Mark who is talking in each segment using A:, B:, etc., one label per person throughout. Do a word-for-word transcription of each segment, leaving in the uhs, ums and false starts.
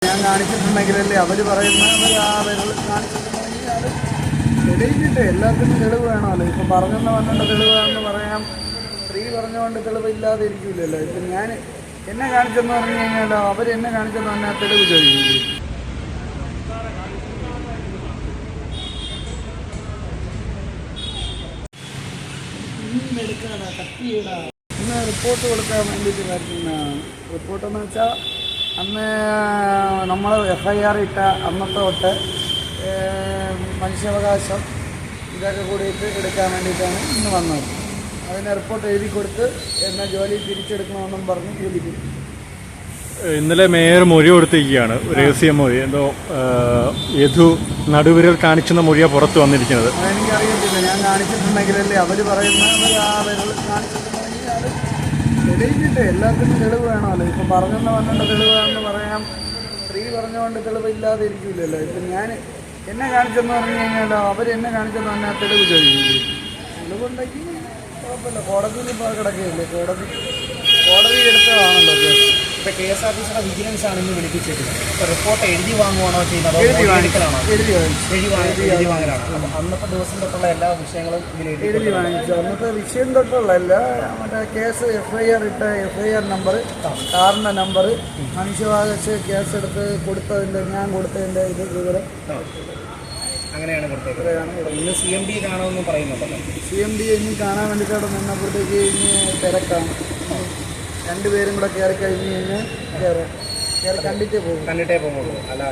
A: ഞാൻ കാണിച്ചിട്ടുണ്ടെങ്കിലല്ലേ അവർ പറയുന്ന അവർ ആ വിരൽ കാണിച്ചിട്ടുണ്ടെങ്കിൽ അത് തെളിയിച്ചിട്ട് എല്ലാത്തിനും തെളിവ് വേണമല്ലോ. ഇപ്പം പറഞ്ഞെന്ന് പറഞ്ഞുകൊണ്ട് തെളിവ് വേണമെന്ന് പറയാം, സ്ത്രീ പറഞ്ഞുകൊണ്ട് തെളിവില്ലാതെ ഇരിക്കില്ലല്ലോ. ഇപ്പം ഞാൻ എന്നെ കാണിച്ചെന്ന് പറഞ്ഞു കഴിഞ്ഞാൽ അവർ എന്നെ കാണിച്ചെന്ന് പറഞ്ഞാൽ തെളിവ് ചോദിക്കില്ല. എടുക്കാടാ കത്തിയിടാ ഇന്ന് റിപ്പോർട്ട് കൊടുക്കാൻ വേണ്ടിയിട്ട് വരുന്നതാണ്. റിപ്പോർട്ടെന്ന് വെച്ചാൽ അന്ന് നമ്മൾ എഫ് ഐ ആർ ഇട്ട അന്നത്തെ തൊട്ട് മനുഷ്യാവകാശം ഇതൊക്കെ കൂടിയിട്ട് എടുക്കാൻ വേണ്ടിയിട്ടാണ് ഇന്ന് വന്നത്. അതിന് റിപ്പോർട്ട് എഴുതി കൊടുത്ത് എന്നെ ജോലി തിരിച്ചെടുക്കണമെന്നും പറഞ്ഞ് ജോലിക്ക്
B: ഇന്നലെ മേയർ മൊഴി കൊടുത്തിരിക്കുകയാണ്. രഹസ്യ മൊഴി എന്തോ യദു നടുവിരൽ കാണിച്ചെന്ന മൊഴിയാണ് പുറത്ത് വന്നിരിക്കുന്നത്.
A: അതെനിക്കറിയത്തില്ല. ഞാൻ കാണിച്ചിട്ടുണ്ടെങ്കിലല്ലേ അവർ പറയുന്ന അവർ ആ വിരൽ കാണിച്ചിട്ടുണ്ടെങ്കിൽ അത് തെളിയിച്ചിട്ട് എല്ലാത്തിനും തെളിവ് വേണമല്ലോ. ഇപ്പം പറഞ്ഞെന്ന് പറഞ്ഞുകൊണ്ട് തെളിവ് വേണമെന്ന് പറയാം, സ്ത്രീ പറഞ്ഞുകൊണ്ട് തെളിവില്ലാതെ ഇരിക്കില്ലല്ലോ. ഇപ്പം ഞാൻ എന്നെ കാണിച്ചെന്ന് പറഞ്ഞു കഴിഞ്ഞാൽ അവർ എന്നെ കാണിച്ചെന്ന് പറഞ്ഞാൽ തെളിവ് ചോദിക്കില്ല. തെളിവുണ്ടെങ്കിൽ കുഴപ്പമില്ല. കോടതിയിൽ ഇപ്പോൾ കിടക്കുകയില്ലേ, കോടതി കോടതി എടുത്തതാണല്ലോ കേസ്.
C: ഇപ്പോൾ കെ എസ് ആർ ടി സിയുടെ വിജിലൻസ് ആണ് ഇന്ന് വിളിപ്പിച്ചിരിക്കുന്നത്. ഇപ്പോൾ റിപ്പോർട്ട് എഴുതി വാങ്ങുവാണോ ചെയ്യുന്നത്?
A: എഴുതി
C: എഴുതി
A: എഴുതി
C: എഴുതി വാങ്ങലാണോ? അപ്പം അന്നത്തെ ദിവസം തൊട്ടുള്ള എല്ലാ വിഷയങ്ങളും ഇതിൽ
A: എഴുതി വാങ്ങിച്ചു. അന്നത്തെ വിഷയം തൊട്ടുള്ളതല്ല, മറ്റേ കേസ് എഫ് ഐ ആർ ഇട്ട എഫ് ഐ ആർ നമ്പർ, കാറിൻ്റെ നമ്പർ, മനുഷ്യവാകശ കേസ് എടുത്ത് കൊടുത്തതിൻ്റെ ഞാൻ കൊടുത്തതിൻ്റെ ഇത് വിവരം
C: അങ്ങനെയാണ് കൊടുത്തേക്കുന്നത്. ഇന്ന് സി എം ഡി കാണുമെന്ന് പറയുന്നുണ്ടല്ലോ.
A: സി എം ഡി ഇനി കാണാൻ വേണ്ടിയിട്ട് നിന്നപ്പോഴത്തേക്ക് ഇനി തിരക്കാണ്. രണ്ടുപേരും കൂടെ കയറി കഴിഞ്ഞ് കഴിഞ്ഞാൽ കയറി കയറി കണ്ടിട്ടേ പോകും
C: കണ്ടിട്ടേ പോകുള്ളൂ. അല്ല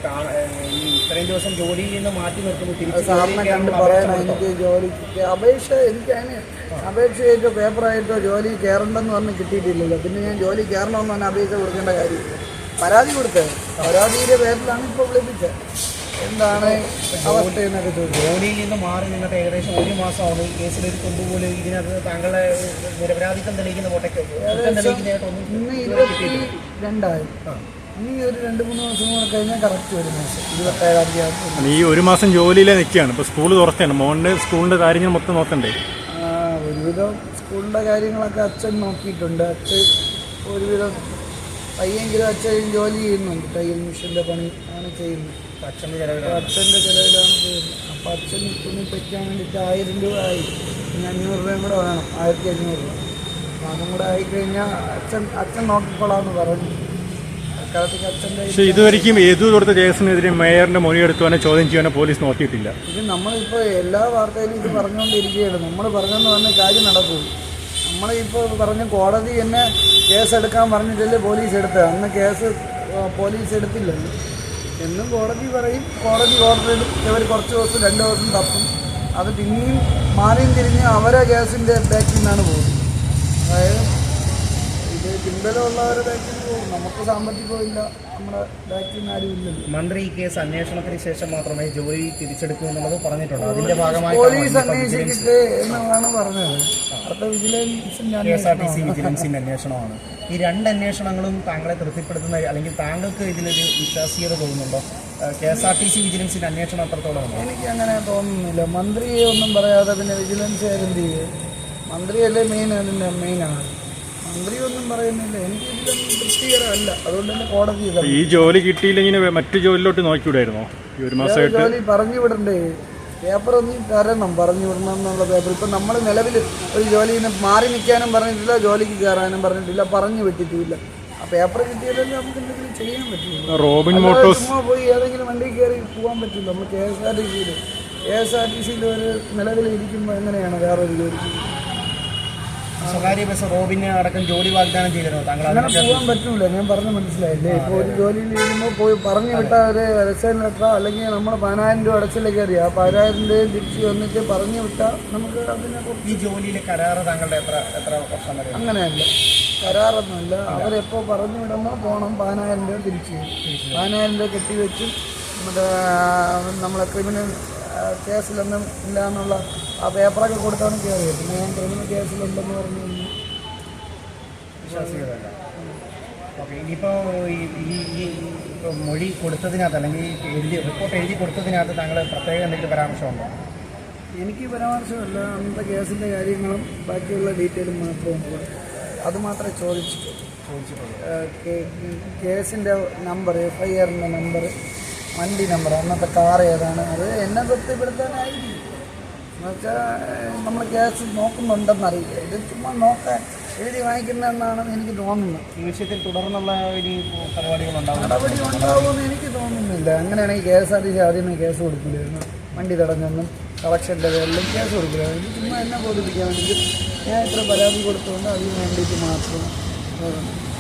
C: ഈ ഇത്രയും ദിവസം ജോലിയിൽ നിന്ന് മാറ്റി നിർത്തുമ്പോൾ
A: സാറിനെ കണ്ട് പറയണം എനിക്ക് ജോലിക്ക് അപേക്ഷ എനിക്ക് അതിന് അപേക്ഷയായിട്ടോ പേപ്പറായിട്ടോ ജോലി കയറണ്ടെന്ന് പറഞ്ഞ് കിട്ടിയിട്ടില്ലല്ലോ. പിന്നെ ഞാൻ ജോലി കയറണമെന്ന് പറഞ്ഞാൽ അപേക്ഷ കൊടുക്കേണ്ട കാര്യം പരാതി കൊടുത്തത്. പരാതിയുടെ പേരിലാണ് ഇപ്പോൾ വിളിപ്പിച്ചത്. എന്താണ് അവസ്ഥ എന്നൊക്കെ ചോദിച്ചു.
C: ജോലിയിൽ നിന്ന് മാറി നിന്നിട്ട് ഏകദേശം ഒരു മാസമാണ്. ഈ കേസിലൊരു കൊമ്പുപോലെ ഇതിനകത്ത് താങ്കളുടെ നിരപരാധിത്വം തെളിയിക്കുന്ന കോട്ടയ്ക്ക്
A: ഇന്ന് ഇരുപത്തി രണ്ടായി. ഇനി ഒരു രണ്ട് മൂന്ന് മാസം കൂടെ കഴിഞ്ഞാൽ കറക്റ്റ് ഒരു മാസം ഇരുപത്തേഴാം തീയതി.
B: ഈ ഒരു മാസം ജോലിയിലെ നിൽക്കുകയാണ്. ഇപ്പോൾ സ്കൂൾ തുറച്ചാണ്. മോൻ്റെ സ്കൂളിൻ്റെ കാര്യങ്ങൾ മൊത്തം നോക്കണ്ടേ?
A: ഒരുവിധം സ്കൂളിൻ്റെ കാര്യങ്ങളൊക്കെ അച്ഛൻ നോക്കിയിട്ടുണ്ട്. അച്ഛൻ ഒരുവിധം പയ്യെങ്കിലും അച്ഛൻ ജോലി ചെയ്യുന്നുണ്ട്. തയ്യൽ മിഷൻ്റെ പണി ആണ് ചെയ്യുന്നത്.
C: അച്ഛൻ്റെ ചിലവിൽ
A: അച്ഛൻ്റെ ചിലവിലാണ് പോകുന്നത്. അപ്പോൾ അച്ഛൻ തുണി പറ്റാൻ വേണ്ടിയിട്ട് ആയിരം രൂപ ആയി. ഇനി അഞ്ഞൂറ് രൂപയും കൂടെ വേണം, ആയിരത്തി അഞ്ഞൂറ് രൂപ. അപ്പോൾ അതും കൂടെ ആയിക്കഴിഞ്ഞാൽ അച്ഛൻ അച്ഛൻ നോക്കിക്കൊള്ളാമെന്ന് പറഞ്ഞു. അക്കാലത്തേക്ക് അച്ഛൻ്റെ
B: പക്ഷേ ഇതുവരെയും ഏതു കൊടുത്ത കേസിനെതിരെ മേയറിൻ്റെ മൊഴിയെടുത്തുവാനോ ചോദ്യം ചെയ്യാനോ പോലീസ് നോക്കിയിട്ടില്ല.
A: ഇത് നമ്മളിപ്പോൾ എല്ലാ വാർത്തയിലും ഇത് പറഞ്ഞുകൊണ്ടിരിക്കുകയാണ്. നമ്മൾ പറഞ്ഞെന്ന് പറഞ്ഞ കാര്യം നടക്കും. നമ്മളിപ്പോൾ പറഞ്ഞ് കോടതി എന്നെ കേസെടുക്കാൻ പറഞ്ഞിട്ടല്ലേ പോലീസ് എടുത്തത്. അന്ന് കേസ് പോലീസ് എടുത്തില്ലല്ലോ. എന്നും കോടതി പറയും, കോടതി ഓർഡർ എടുക്കും. ഇവർ കുറച്ച് ദിവസം രണ്ട് ദിവസം തപ്പും. അത് പിന്നെയും മാറിയും തിരിഞ്ഞ് അവരെ കേസിൻ്റെ ബാക്കിൽ നിന്നാണ് പോകുന്നത്. അതായത് ഇത് പിൻബലമുള്ളവരുടെ ബാക്കിൽ നിന്ന് പോകും. നമുക്ക് സാമ്പത്തികമില്ല, നമ്മുടെ ബാക്കിൽ നിന്ന് ആരും ഇല്ലല്ലോ.
C: മന്ത്രി ഈ കേസ് അന്വേഷണത്തിന് ശേഷം മാത്രമേ ജോലി തിരിച്ചെടുക്കൂ എന്നുള്ളത് പറഞ്ഞിട്ടുണ്ട്. അതിന്റെ ഭാഗമായി
A: പോലീസ് അന്വേഷിക്കട്ടെ എന്നാണ് പറഞ്ഞത്. അടുത്ത വിജിലൻസിൻ്റെ
C: K S R T C വിജിലൻസിൻ്റെ അന്വേഷണമാണ്. ഈ രണ്ട് അന്വേഷണങ്ങളും താങ്കളെ തൃപ്തിപ്പെടുത്തുന്ന അല്ലെങ്കിൽ താങ്കൾക്ക് ഇതിലൊരു വിശ്വാസ്യത തോന്നുന്നുണ്ടോ? K S R T C വിജിലൻസിൻ്റെ അന്വേഷണം അത്രത്തോളം ഉണ്ടോ?
A: എനിക്ക് അങ്ങനെ തോന്നുന്നില്ല. മന്ത്രിയെ ഒന്നും പറയാതെ പിന്നെ വിജിലൻസ് എന്ത് ചെയ്യും? മന്ത്രിയല്ലേ മെയിൻ, അതിൻ്റെ മെയിനാണ്. മന്ത്രി ഒന്നും പറയുന്നില്ല. എനിക്ക് ഇതിലൊന്നും തൃപ്തികരമല്ല. അതുകൊണ്ട് തന്നെ കോടതി
B: ഈ ജോലി കിട്ടിയില്ലെങ്കിൽ മറ്റു ജോലിയിലോട്ട് നോക്കിവിടായിരുന്നോ? ഈ ഒരു മാസമായിട്ട്
A: ജോലി പറഞ്ഞു വിടണ്ടേ? പേപ്പർ ഒന്നും തരണം, പറഞ്ഞു വിടണം എന്നുള്ള പേപ്പർ. ഇപ്പം നമ്മൾ നിലവിൽ ഒരു ജോലിയിൽ നിന്ന് മാറി നിൽക്കാനും പറഞ്ഞിട്ടില്ല, ജോലിക്ക് കയറാനും പറഞ്ഞിട്ടില്ല, പറഞ്ഞു വിട്ടിട്ടില്ല. ആ പേപ്പർ കിട്ടിയാലല്ലേ നമുക്ക് എന്തെങ്കിലും ചെയ്യാൻ പറ്റില്ല.
B: റോബിൻ മോട്ടോഴ്സ്
A: ചുമ്മാ പോയി ഏതെങ്കിലും വണ്ടി കയറി പോകാൻ പറ്റില്ല. നമ്മൾ കെ എസ് ആർ ടി സിയിൽ കെ എസ് ആർ ടി സിയിൽ ഒരു നിലവിൽ ഇരിക്കുമ്പോൾ എങ്ങനെയാണ് വേറൊരു ജോലി?
C: സ്വകാര്യ ബസ് റോബിന് അടക്കം ജോലി വാഗ്ദാനം ചെയ്തിരുന്നു. താങ്കൾ
A: അങ്ങനെ പോകാൻ പറ്റൂല. ഞാൻ പറഞ്ഞ മനസ്സിലായില്ലേ? ഇപ്പോൾ ഒരു ജോലിയിൽ ഇരിക്കുമ്പോൾ പോയി പറഞ്ഞു വിട്ട ഒരു റിസൈൻ ലെറ്ററോ അല്ലെങ്കിൽ നമ്മൾ പതിനായിരം രൂപ അടച്ചിലേക്ക് അറിയാം. ആ പതിനായിരം രൂപയും തിരിച്ച് വന്നിട്ട് പറഞ്ഞു വിട്ടാൽ നമുക്ക് അതിനെ
C: ഈ ജോലിയിലെ കരാറ് താങ്കളുടെ എത്ര എത്ര വർഷം വരെ?
A: അങ്ങനെയല്ല, കരാറൊന്നുമില്ല. അവരെപ്പോൾ പറഞ്ഞു വിടണോ പോകണം. പതിനായിരം രൂപ തിരിച്ച് പതിനായിരം രൂപ കെട്ടിവെച്ച് മറ്റേ നമ്മളെ ക്രിമിനൽ കേസിലൊന്നും ഇല്ല എന്നുള്ള ആ പേപ്പറൊക്കെ കൊടുത്താണ് കയറിയത്. പിന്നെ ഞാൻ ക്രിമിനൽ കേസിലുണ്ടെന്ന് പറഞ്ഞു കഴിഞ്ഞാൽ
C: വിശ്വാസികളല്ല. ഓക്കെ, ഇനിയിപ്പോൾ ഈ ഈ ഇപ്പോൾ മൊഴി കൊടുത്തതിനകത്ത് അല്ലെങ്കിൽ എഴുതി റിപ്പോർട്ട് എഴുതി കൊടുത്തതിനകത്ത് താങ്കൾ പ്രത്യേക എന്തെങ്കിലും പരാമർശമുണ്ടോ?
A: എനിക്ക് പരാമർശമല്ല. അന്നത്തെ കേസിൻ്റെ കാര്യങ്ങളും ബാക്കിയുള്ള ഡീറ്റെയിലും മാത്രമേ അത് മാത്രമേ ചോദിച്ചിട്ടുള്ളൂ.
C: ചോദിച്ചിട്ടുള്ളത്?
A: കേസിൻ്റെ നമ്പർ, എഫ് ഐ ആറിൻ്റെ നമ്പർ, വണ്ടി നമ്പർ, അന്നത്തെ കാർ ഏതാണ്, അത് എന്നെ തൃപ്തിപ്പെടുത്താനായിരിക്കും. എന്നുവെച്ചാൽ നമ്മൾ കേസ് നോക്കുന്നുണ്ടെന്നറിയില്ല. ഇത് ചുമ്മാ നോക്കാൻ എഴുതി വാങ്ങിക്കുന്നതെന്നാണ് എനിക്ക് തോന്നുന്നത്.
C: ഈ വിഷയത്തിൽ തുടർന്നുള്ള ഇനി പരിപാടികളുണ്ടാവും,
A: നടപടി ഉണ്ടാവുമെന്ന് എനിക്ക് തോന്നുന്നില്ല. അങ്ങനെയാണെങ്കിൽ K S R T C ആദ്യമേ കേസ് കൊടുക്കില്ലായിരുന്നു. വണ്ടി തടഞ്ഞെന്നും കളക്ഷൻ്റെ പേരിലും കേസ് കൊടുക്കില്ലായിരുന്നു. ഇത് ചുമ്മാ എന്നെ ബോധിപ്പിക്കാൻ വേണ്ടി ഞാൻ ഇത്ര പരാതി കൊടുത്തുകൊണ്ട് അതിന് വേണ്ടിയിട്ട് മാത്രം